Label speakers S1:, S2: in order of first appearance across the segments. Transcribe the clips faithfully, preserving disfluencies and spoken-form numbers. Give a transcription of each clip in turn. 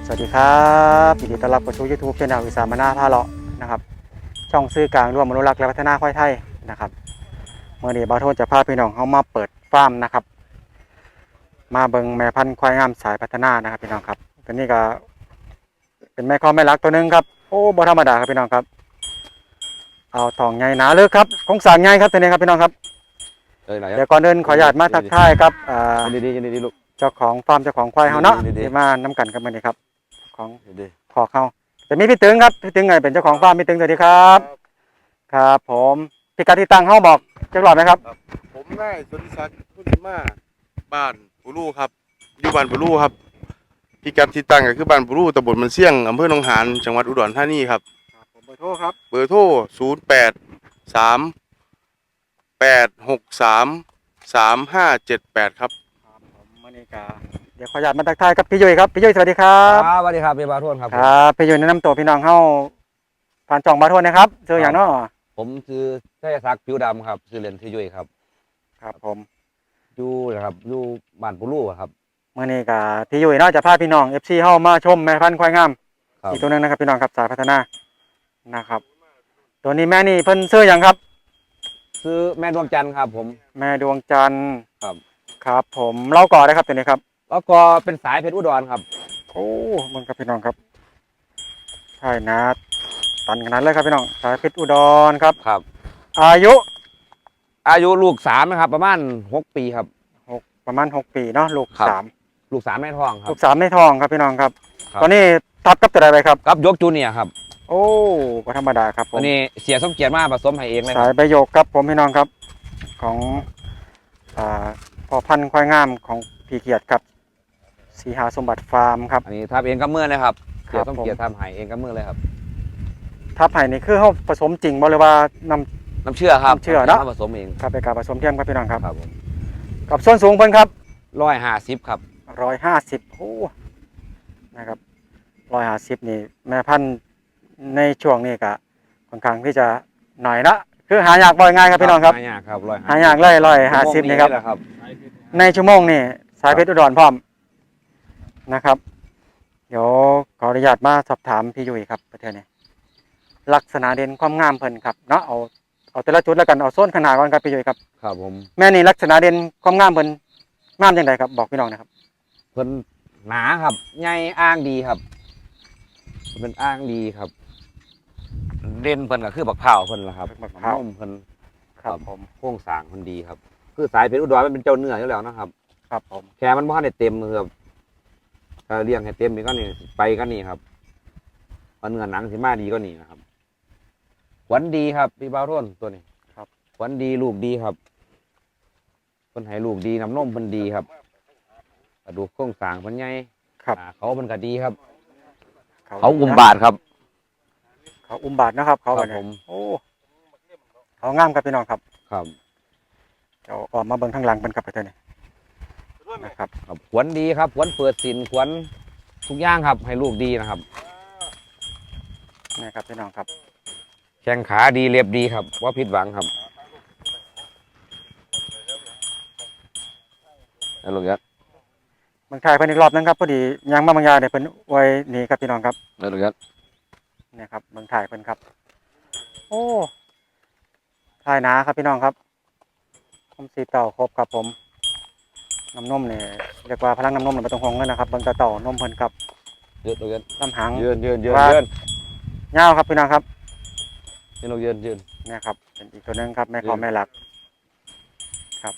S1: สวัสดีครับยินดีต้อนรับเข้าสู่ YouTube ช่องอีสานมานาพาเลาะนะครับช่องซื้อกลางร่วมอนุรักษ์และพัฒนาควายไทยนะครับเมื่อนี้บาวโทนจะพาพี่น้องเข้ามาเปิดฟาร์มนะครับมาเบิ่งแม่พันธุ์ควายงามสายพัฒนานะครับพี่น้องครับตัวนี้ก็เป็นแม่ข้อแม่ลักตัวนึงครับโอ้บ่ธรรมดาครับพี่น้องครับเอาทองใหญ่หนาเลยครับโครงสร้างใหญ่ครับตัวนี้ครับพี่น้องครับเดี๋ยวก่อนเดินขออนุญาตมาทักทายครับอ่า
S2: ดีดีดีลูก
S1: เจ้าของฟาร์มเจ้าของควายเขาเนาะ
S2: ดีๆ
S1: ที่มาน้ำกันกันมานี่ครับของ
S2: ดี
S1: ขอเขาจะมีพี่ตึงครับพี่ตึงไงเป็นเจ้าของฟาร์มพี่ตึงสวัสดีครับครับผมพิกัดที่ตั้งเขาบอกจักรหลอดไหมครับ
S3: ผมนายสุริศักดิ์พุทธิมาบ้านปูรูครับอยู่บ้านปูรูครับพิกัดที่ตั้งก็คือบ้านปูรูตำบลมันเสี่ยงอำเภอหนองหานจังหวัดอุดรธานีครับ
S1: ผมเบอร์โทรครับ
S3: เบอร์โทรศูนย์แปดสามแปดหกสามสามห้าเจ็ดแปดครับ
S1: ครับผมมานี่กาเดี๋ยวขออนุญาตมาทักทายครับพี่ยุ้ยครับพี่ยุ้ยสวัสดีครั
S2: ครับ บสวัสดีครับพี่บาทวนครับ
S1: ครับพี่ยุ้ยแนะนำตัวพี่น้องเข้าผ่านจ่องบาทวนนะครับเจออย่างเนาะ
S2: ผมชื่อชัยศักดิ์ผิวดำครับชื่อเล่นชื่อยุ้ยครับ
S1: ครับผม
S2: อยู่นะครับอยู่บ้านปูรูครับ
S1: มานี่กาพี่ยุ้ยเนาะจะพาพี่น้องเอฟซีเข้ามาชมแม่พันธุ์ควายงาม
S2: ครับ
S1: อีกตัวหนึงนะครับพี่น้องครับสายพัฒนานะครับตัวนี้แม่นี่เพิ่นซื้ออย่างครับ
S2: คือแม่ดวงจันทร์ครับผม
S1: แม่ดวงจันทร์
S2: ครับ
S1: ครับผมเล่าก่อนได้ครับตัวนี้ครับ
S2: แล้วก็เป็นสายเพชรอุดรครับ
S1: โอ้มันครับพี่น้องครับใช่นะตันขนาดเลยครับพี่น้องสายเพชรอุดรครับ
S2: ครับ
S1: อายุ
S2: อายุลูกสามนะครับ ประมาณหกปีครับ
S1: หกประมาณหกปีเนาะลูก
S2: ครับ
S1: สาม
S2: ลูกสามแม่ท้องครั
S1: ลู
S2: บ
S1: กสามในทองครับพี่น้องครับ
S2: ครับ
S1: ตอนนี้ทับกับตัวใดไปครับ
S2: กับยกจูเนียร์ครับ
S1: โอ้ก็ธรรมดาครับผม
S2: อันนี้เสียสมเกียรติมาผสมให้เองเลยค
S1: สา
S2: รั
S1: ย
S2: บ
S1: ใบโยกครับผมพี่น้องครับของอ่าพ่อพันธุ์ควายงามของพี่เกียรติครับสีหาสมบัติฟาร์มครับ
S2: อันนี้ทำเองกับมือเลยครับ
S1: ค
S2: เสี
S1: รั
S2: ย
S1: บ
S2: สมเกียรติทำให้เองกับมือเลยครับ
S1: ทับไห่นี่คือเขาผสมจริงบ่หรือว่านำ
S2: น้ำเชื่อครับ
S1: น้ำเชื่อเนอะ
S2: ผสมเอง
S1: ครับเป็นการผสมเทียมครับพี่น้องครับ
S2: ครับผม
S1: กับส้นสูงเพิ่นครับ
S2: ร้อยห้าสิบครับ
S1: ร้อยห้าสิบโอ้นะครับร้อยห้าสิบนี่แม่พันธุ์ในช่วงนี้ก็ค่อนข้างที่จะหน่อยนะคือหายากบ่อยง่ายครับพี่น้องครับ
S2: หายากครับร้อย
S1: หายากเลยร้อยห้าสิบนี่ครับ
S2: ครับ
S1: ในชั่วโมงนี่สายเพชรอุดรพร้อมนะครับ เดี๋ยวขออนุญาตมาสอบถามพี่ยุ้ยครับประเทศนี้ลักษณะเด่นความงามเพิ่นครับเนาะเอาเอาแต่ละจุดแล้วกันเอาโซนขนาดก่อนครับพี่ยุ้ยครับ
S2: ครับผม
S1: แม่นี่ลักษณะเด่นความงามเพิ่นงามจังไดครับบอกพี่น้องนะครับ
S2: เพิ่นหนาครับใหญ่อ้างดีครับเป็นอ้างดีครับเด่นเพิ่นก็คือบักเผาวเพิ่นล่ะครับ
S1: บักพร้าว
S2: นมเพิ่น
S1: ครับผม
S2: โครงสร้างเพิ่นดีครับ คือสายเพชรอุดรมันเป็นเจ้าเนื้ออยู่แล้วนะครับ
S1: ครับผม
S2: แค่มันบ่ทันได้เต็มครับถ้าเลี้ยงให้เต็มนี่ก็นี่ไปก็นี่ครับมันเนื้อหนังสิมาดีก็นี่นะครับขวัญดีครับพี่บ่าวร่นตัวนี้
S1: ครับ
S2: ขวัญดีลูกดีครับเพิ่นให้ลูกดีน้ำนมเพิ่นดีครับกระดูกโครงสร้างเพิ่นใหญ่
S1: ครับ
S2: อ่าเขาเพิ่นก็ดีครับ เขาอุ้มบาทครับ
S1: เขาอุ้มบาทนะครับ เขา
S2: ครับ
S1: เนี่ย
S2: ผม
S1: โอ้เขางามครับพี่น้องครับ
S2: ครับ
S1: เดี๋ยวออกมาเบิ่งข้างหลังเป็นกับประเทศนี้นะครับ
S2: ครับขวัญดีครับขวัญเปิดสินขวัญทุกอย่างครับ ให้ลูกดีนะครับ
S1: นี่ครับพี่น้องครับ
S2: แข้งขาดีเรียบดีครับว่าผิดหวังครับเอาลูกยัด
S1: เมืองไทยเพิ่นอีกรอบนึงครับพอดียังมาบางอยางเดี๋ยวเพิ่นไว้หนีครับพี่น้องครับ
S2: เอาลูกยัด
S1: นี่ครับเมืองไทยเพิ่นครับ โอ้ทายหนาครับพี่น้องครับคมสีเต่าครบครับผมน้ำนมเนี่ยเรียกว่าพลังน้ำนมเนี่ยไม่ต้องห่วงเลยนะครับเบิ่งแตาเต่านมเพิ่นครับ
S2: ยืดลูกยัด
S1: ลำหาง
S2: ยืนยืนยืน
S1: ว่า
S2: ยืน
S1: ยาวครับพี่น้องครับ
S2: ยืนลูกยืนยืน
S1: นี่ครับเป็นอีกตัวหนึงครับแม่
S2: ยืน
S1: ขอแม่หลักครับ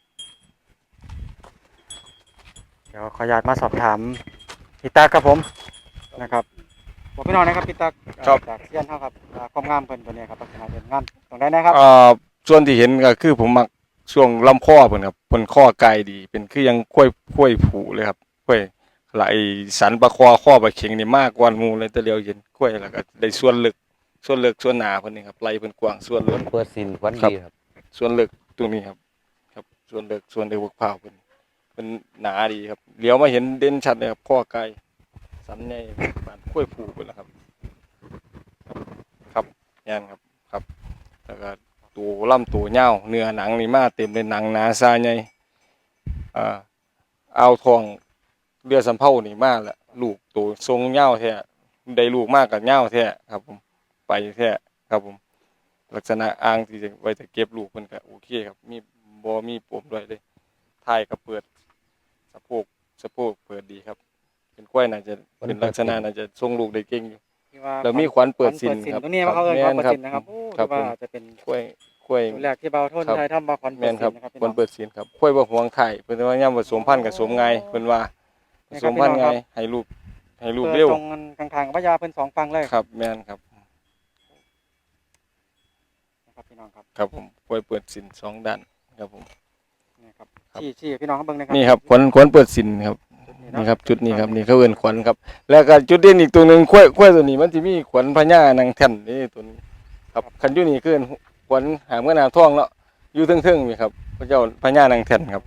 S1: เดี๋ยวขออนุญาตมาสอบถามพี่ตาครับผมนะครับบอกพี่น้องนะครับพี่ตา
S3: ครับ
S1: จากเซียนเท่าครับอ่าความงามเพิ่นตัวนี้ครับลักษณะเด่นงามตรงได้นะครับ
S3: เอ่อส่วนที่เห็นก็คือผมมักช่วงลำคอเพิ่นครับเพิ่นข้อไกลดี เป็นคือยังค่อยค่อยผูเลยครับค่อยไหลสันประคอข้อประเข็งนี่มากกว่าหมู่เลยแต่เดียวเห็นค่อยแล้วก็ได้ส่วนลึกส่วนลึกส่วนหนาเพิ่นนี่ครับไหลเพิ่นกว้างส่วนลึก
S2: เปิดสินขวัญ
S3: ครับ
S2: ดีครับ
S3: ส่วนลึกตรงนี้ครับ ครับส่วนลึกส่วนเดือกเผาเพิ่นเพิ่นหนาดีครับเลี้ยวมาเห็นเด่นชัดเลยครับข้อไกลสันใหญ่ปานค่อยผูเพิ่นล่ะครับ ครับยันครับครับแล้วก็ตัวลำตัวเน่าวเนื้อหนังนี่มาเต็มเลยหนังหนาซาใหญ่อ่าเอาทองเรือสำเภานี่มาแล้วลูกโตทรงเหย้าแท้ได้ลูกมากกับเหย้าแท้ครับผมไปแท้ครับผมลักษณะอ่างที่จะไว้จะเก็บลูกเพิ่นก็โอเคครับมีบ่มีปมด้วยเลยท้ายก็เปิดสะโพกสะโพกเปิดดีครับเป็นควายน่าจะเป็นลักษณะน่าจะทรงลูกได้เก่งอยู่
S1: ที่ว่า
S3: แล้วมีขวัญเปิดสินครับ
S1: ตรงนี้มาเขาเอิ้นขวัญเปิดสิน
S3: แม่น
S1: นะครับโอ้
S3: ครับ
S1: ที่ว่า
S3: ผม
S1: อาจจะเป็น
S3: ควายควาย
S1: ตัวแรกที่เบาโทน
S3: ครับ
S1: ไทยทำมาขวัญเปิ
S3: แม่
S1: ด
S3: น
S1: สิ
S3: ครับ
S1: นนะครับพี่
S3: คว
S1: น้
S3: ร
S1: อง
S3: เปิดสินครับควายบ่ห่วงไข่เพิ่นว่าย่ำผสมพันธุ์กับสมง่ายเพิ่นว่าผสมพันธุ์ง่ายให้ลูกให้ลูก
S1: เปิด
S3: เร็ว
S1: ตรงกันข้างๆพญาเพิ่นสองฝั่งเลย
S3: ครับแม่นครับ
S1: นะครับพี่น้องครับ
S3: ครับผมควายเปิดสินสองด้านครับผม
S1: นี่ครับ
S3: ครับ
S1: ชี้ชี้ให้พี่น้องเขาเบิ่งนะครับ
S3: นี่ครับขวัญขวัญเปิดสินครับ
S1: จุดนี้เาะ
S3: นี่ครับจุดนี้ครับนี่เขาเอิ้นขวัญครับ แล้วก็จุดเด่นอีกตัวหนึงควายควายตัวนี้มันสิมีขวัญพญานางแท่นนี่ตัวนี้ครับคันอยู่นี่คือขวัญหางเมื่อนาทองเนาะอยู่เทิงๆนี่ครับพระเจ้าพญานางแท่นครับ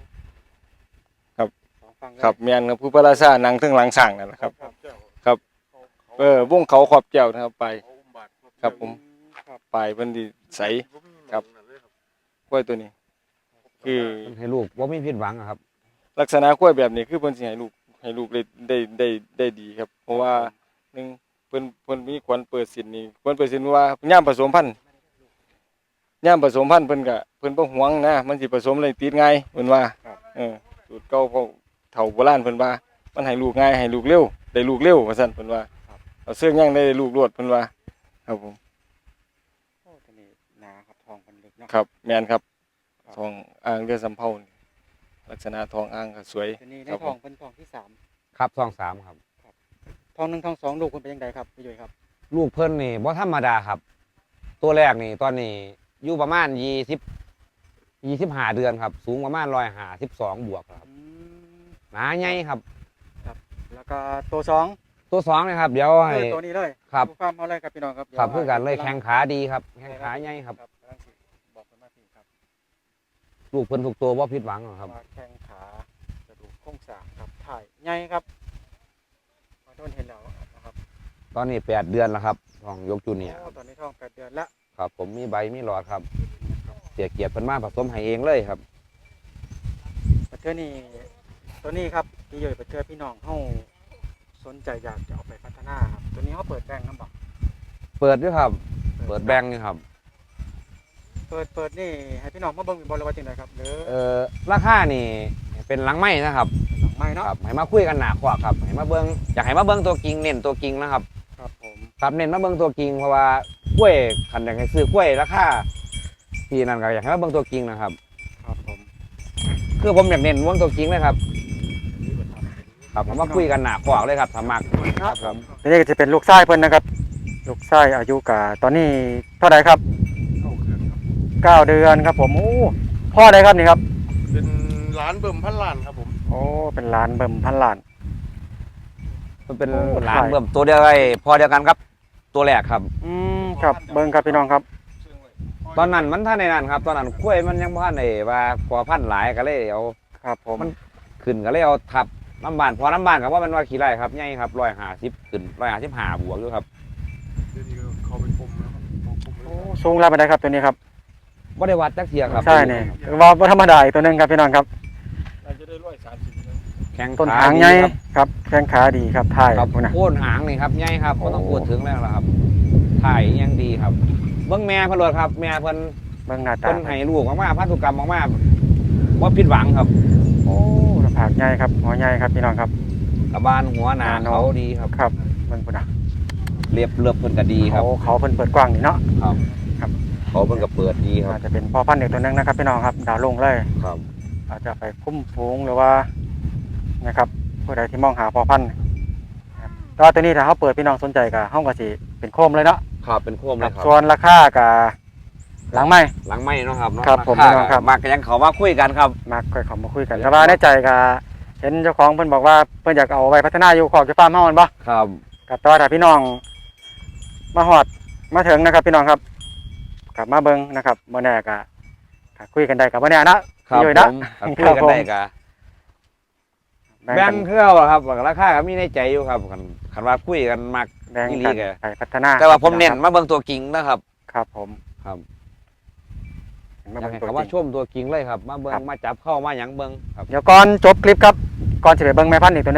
S1: สองฝั่งเลย
S3: ครับแม่นครับผู้พระราชานางเทิงหลังสร้างนั่นแหละครับ
S1: ครับ
S3: เออวงเขาขอบแก้วนะครับไป ครับผม
S1: ครับ
S3: ปลายเพิ่นสิใสครับกล้วยตัวนี้ คือ
S2: ให้ลูกว่าไม่ผิดหวังอะครับ
S3: ลักษณะกล้วยแบบนี้คือเพิ่นสิให้ลูกให้ลูกได้ได้ได้ได้ดีครับ เพราะว่าหนึ่งเพิ่นเพิ่นมีขวัญเปิดสินนี่ขวัญเปิดสินว่าย่ามผสมพันธุ์ย่ามผสมพันธุ์เพิ่นก็เพิ่นบ่หวงนะมันสิผสมอะไรติดง่ายเพิ่นว่าเออสูตรเก่าเขาเฒ่าโบราณเพิ่นว่ามันให้ลูกง่ายให้ลูกเร็วได้ลูกเร็วว่าซั่นเพิ่นว่าเอาเสื้อย่างได้ลูกรวดเพิ่นว่าครับผม
S1: โอ้ตัวนี้หนาครับทองมันลึกเนาะ
S3: ครับแม่นครับทองอ่างเรือสำเภานี่ลักษณะทองอ่างก็สวย
S1: ตัวนี้ใน
S3: ครับ
S1: ท
S3: ผ
S1: อง
S3: ม
S1: เป็นทองที่สาม
S2: ครับทองสามครับ
S1: ทองหนึ่งทองสองลูกคุณเป็นยังไงครับพี่ยุ้ยครับ
S2: ลูกเพิ่นนี่บ่ธรรมดาครับ ตัวแรกนี่ตอนนี้อยู่ประมาณยี่สิบยี่สิบห้าเดือนครับ สูงประมาณร้อยห้าสิบสองบวกครับ
S1: อืม
S2: หนาใหญ่ครับ
S1: แล้วก็ตัวสอง
S2: ตัวสองนะครับ เดี๋ยวให้
S1: เออตัวนี้เลย
S2: ครับ
S1: ดูความเขาเลยครับพี่น้องครับ
S2: ครับเพื่อกันเลยแข้งขาดีครับแข้งขาใหญ่ครับ
S1: กำลังสิบอกกันมาพี่ครับ
S2: ลูกเพิ่นทุกตัวบ่ผิดหวังหรอกครับ
S1: ว่าแข้งขากระดูกโครงสร้างครับถ่ายใหญ่ครับขอโทษเห็นแล้วนะครับ
S2: ตอนนี้แปดเดือนแล้วครับทองยกจูเนียร์
S1: โอ้ตอนนี้ท้องแปดเดือนละ
S2: ครับ ผมมีใบมีหลอดครับ เสียเกียรติเพิ่นมาผสมให้เองเลยครับ
S1: ประเทศนี้ตัวนี้ครับพี่ยุ้ยประเทศพี่น้องเฮาสนใจอยากจะเอาไปพัฒนาครับตัวนี้เขาเปิดแบงค์ครับบอก
S2: เปิดด้วยครับ เปิดแบงค์นี่ครับ
S1: เปิดเปิดนี่ให้พี่น้องมาเบิ่งบอลว่าจังไดครับหรือ
S2: เอ่อราคานี่เป็นหลังไม้นะครับ
S1: หลังไม้เนาะ
S2: ครับให้มาคุยกันหนาขวาครับให้มาเบิ้งอยากให้มาเบิ้งตัวจริงเน้นตัวจริงนะครับ
S1: ครับผม
S2: ครับเน้นมาเบิ้งตัวจริงเพราะว่ากล้วยขันอยากให้ซื้อกล้วยราคาที่นั่นก็อยากให้มาเบิ้งตัวจริงนะครับ
S1: ครับผม
S2: คือผมอยากเน้นเบิ้งตัวจริงเลยครับครับผมมาคุยกันหนาขวาเลยครับสมัครครับผม
S1: นี่ก็จะเป็นลูกไส้เพิ่นนะครับ ลูกไส้อายุกะตอนนี้เท่าไหร่ครับเก้าเดือนครับผมโอ้พ่อใดครับนี่ครับ
S3: เป็นร้านเบิ่มพันล้านครับผม
S1: โอ้เป็นหลานเบิ่มพันล้าน
S2: มันเป็น
S1: โอ้
S2: หลาน
S1: ถ่าย
S2: เบิ่มตัวเดียวไอ้พอเดียวกันครับ ตัวแรกครับ
S1: อืมครับเบิ่งครับพี่น้องครับ
S2: ตอนนั้นมันท่านในนั้นครับ ตอนนั้นกล้วยมันยังบ่ทันได้ว่าพอพันธุ์หลายก็เลยเอา
S1: ครับผม
S2: มัน ขึ้นก็เลยเอาทับน้ำบานพอน้ำบานกับว่ามันว่าขี้ไร่ครับใหญ่ครับร้อยห้าสิบขึ้นร้อยห้าสิบห้าบวกอยู่ครับ
S3: เดี๋ยวนี้ก็เขาไปปมแล้วครับปม
S1: โอ้สูงแล้วไปได้ครับตัวนี้ครับ
S2: บ่ได้วัดจักเทียครับ
S1: ใช่นี่ว่าบ่ธรรมดาอีกตัวหนึงครับพี่น้องครับ
S3: เราจะได้ร้อยสามสิบ
S2: แข้ง
S1: ต้น
S2: ขา
S1: หาง
S2: ดี
S1: ใหญ่
S2: ครับ
S1: ครับแข้งขาดีครับถ่าย
S2: ครับ
S1: พุ่นนะ
S2: โค่นหางนี่ครับใหญ่ครับก็ต้อง
S1: โอ้
S2: พูดถึงแล้วล่ะครับถ่ายยังดีครับ เบิ้งแม่เพิ่นโลดครับ แม่เพิ่น
S1: เบิ่งหน้าตา
S2: เพิ่นให้ลูกมากๆพันธุกรรมมากๆบ่ผิดหวังครับ
S1: โอ้หน้าผากใหญ่ครับหัวใหญ่ครับพี่น้องครับ
S2: กระบาลหัวหนา
S1: หนาเนาะ
S2: เขาดีครับ
S1: ครับเบิ่งพุ่นนะ
S2: เรียบเรียบเพิ่นก็ดีครับ
S1: เขาเขาเพิ่นเปิดกว้างนี่เนาะ
S2: ครับ
S1: ครับ
S2: เขาเพิ่นก็เปิดดีครั
S1: อา
S2: บ
S1: จจะเป็นพ่อพันธุ์เด็กตัวหนึงนะครับพี่น้องครับดาวลงเลย
S2: ครับ
S1: อาจจะไปคุ้มฝูงหรือว่านะครับผู้ใดที่มองหาพ่อพันธุ์นะครับแต่ว่าตัวนี้ถ้าเขาเปิดพี่น้องสนใจก็ห้องก็สิเป็นโคมเลยเนาะ
S2: ครับเป็นโคมเลยครับ
S1: ส่วนราคากับหลังไม้
S2: หลังไม้เนาะครับเนาะ
S1: ครับผม
S2: าา
S1: พี่น้องครับ
S2: มากก็ยังเขามาคุยกันครับ
S1: มาค่อยเขามาคุยกันแต่ว่าในใจก็เห็นเจ้าของเพิ่นบอกว่าเพิ่นอยากเอาไว้พัฒนาอยู่ขอบจะฟาร์มเฮามันบ่
S2: ครับ
S1: กับตัวถ้าพี่น้องมาฮอดมาถึงนะครับ พี่น้องครับกลับมาเบิ่งนะครับบ่แน่ก็ก็คุยกันได้กับบ่แน่นะ
S2: ครับ
S1: พี่ยุ้ย
S2: ผ
S1: นะ
S2: มครับคุยกันได้ก็
S1: แบ่ง
S2: แบ่
S1: กั
S2: ง
S1: น
S2: เครื่องครับราคาก็มีในใจอยู่ครับคันคันว่าคุยกันมาก
S1: แบ่ง
S2: อีหลี
S1: กัน
S2: แก
S1: ไปพัฒนา
S2: แต่ว่าผมเน้นมาเบิ่งตัวจริงนะครับ
S1: ครับผม
S2: ครับ
S1: มา
S2: อยาก
S1: เบิ่ง
S2: ให้
S1: ตัว
S2: เขา
S1: จ
S2: ว่า
S1: ริง
S2: ชมตัวจริงเลยครับ มาเบิ่ง
S1: ครับ
S2: มาจับเข้ามาหยังเบิ่งครับ
S1: เดี๋ยวก่อนจบคลิปครับก่อนจะไปเบิ่งแม่พันธุ์อีกตัวหนึงเนาะ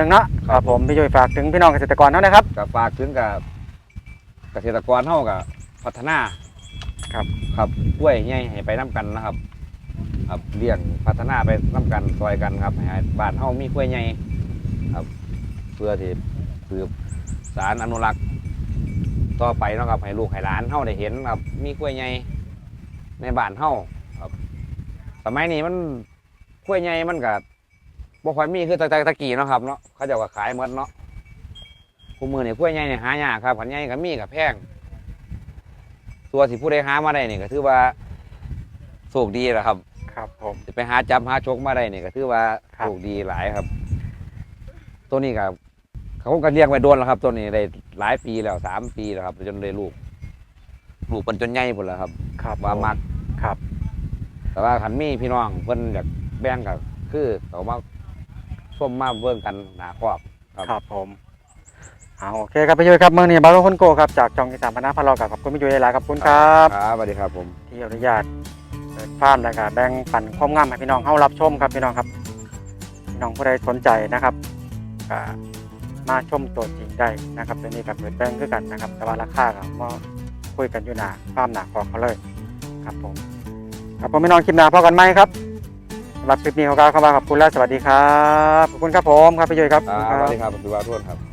S1: ครับผมพี่ยุ้ยฝากถึงพี่น้องเกษตรกรเท่านะครับ
S2: กับฝากถึงกับเกษตรกรเฮากับพัฒนา
S1: ครับ
S2: ครับกล้วยใหญ่ให้ไปน้กันนะครับครับเลี้ยงพัฒนาไปน้กันซอยกันครับให้บ้านเฮามีกล้วยใหญ่ครับเพื่อที่สืบสารอนุรักษ์ต่อไปเนาะครับให้ลูกให้หลานเฮาได้เห็นครับมีกล้วยใหญ่ในบ้านเฮาครับสมัยนี้มันกล้วยใหญ่มันก็บ่ค่อยมีคือแต่ตะกี้เนาะครับเนาะเขาเจะว่าขายหมดเนาะคู่มือนี่กล้วยใหญ่นี่หายากครับขันใหญ่ก็มีกับแพงตัวสิผู้ใดหามาได้นี่ก็ถือว่าโชคดีแหละครับ
S1: ครับผม
S2: จะไปหาจับหาชกมาได้นี่ก็ถือว่า
S1: ครับ
S2: โชคดีหลายครับ ตัวนี้ก็เขาก็เลี้ยงไว้โดนแล้วครับ ตัวนี้ได้หลายปีแล้วสามปีแล้วครับจนได้ลูกลูกเป็นจนใหญ่หมดแล้วครับ
S1: ครับ
S2: ว่ามัก
S1: ครับ
S2: แต่ว่าขันมีพี่น้องเพิ่นอยากแบ่งก็คือเขามาส้มมาเบิ่งกันหนาครอบครับ
S1: ครับผมเอาโอเคครับพี่ยุ้ยครับเมื่อนี้บาร์โลคนโกครับจากจองอีสานพนาพาเรากับขอบคุณพี่ยุ้ยหลายๆขอบคุณครับ
S2: ครับสวัสดีครับผม
S1: ที่อนุญาตเปิดฟาร์มแล้วก็แบ่งปันความงามให้พี่น้องเข้ารับชมครับพี่น้องครับพี่น้องผู้ใดสนใจนะครับก็มาชมตัวจริงได้นะครับตัวนี้กับเปิดแบ่งคือกันนะครับ แต่ว่าราคาก็มาคุยกันอยู่หนาฟาร์มหนาคอเขาเลยครับผมครับผมพี่น้องคลิปหน้าพอกันไหมครับสำหรับคลิปนี้ขอกล่าวคำว่าขอบคุณและสวัสดีครับขอบคุณครับผมครับพี่ยุ้ยครับ
S2: ครับสวัสดีครับพี่วาทุนครับ